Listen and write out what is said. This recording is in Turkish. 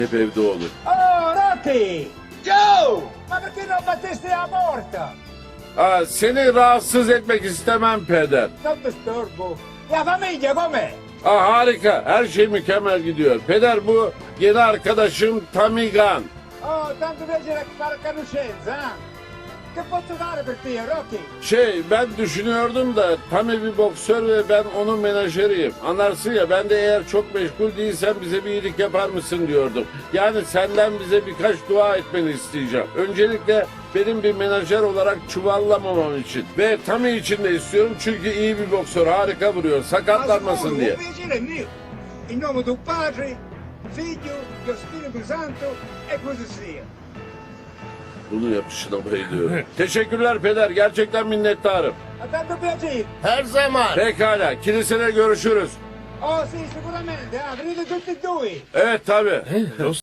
hep evde olur. Oh, Rocky! Joe! Ma perché non battesti la porta? Seni rahatsız etmek istemem peder. Non disturbo. La famiglia com'è? Harika, her şey mükemmel gidiyor. Peder, bu yeni arkadaşım Tamigan. Oh, tanto piacere fare conoscenza, eh? Che posso fare per te, Rocky? Ben düşünüyordum da Tami bir boksör ve ben onun menajeriyim. Anlarsın ya, ben de eğer çok meşgul değilsen bize bir iyilik yapar mısın diyordum. Yani senden bize birkaç dua etmeni isteyeceğim. Öncelikle benim bir menajer olarak çuvallamamam için. Ve Tami için de istiyorum çünkü iyi bir boksör, harika vuruyor, sakatlanmasın diye. Un piacere mio. In nome del Padre, Figlio, dello Spirito Santo e così sia. Bunu yapışına bayılıyorum. Teşekkürler peder, gerçekten minnettarım. A tanto piacere. Her zaman. Pekala, kilisede görüşürüz. Oh sì, sicuramente, venite tutti e due. Evet tabii.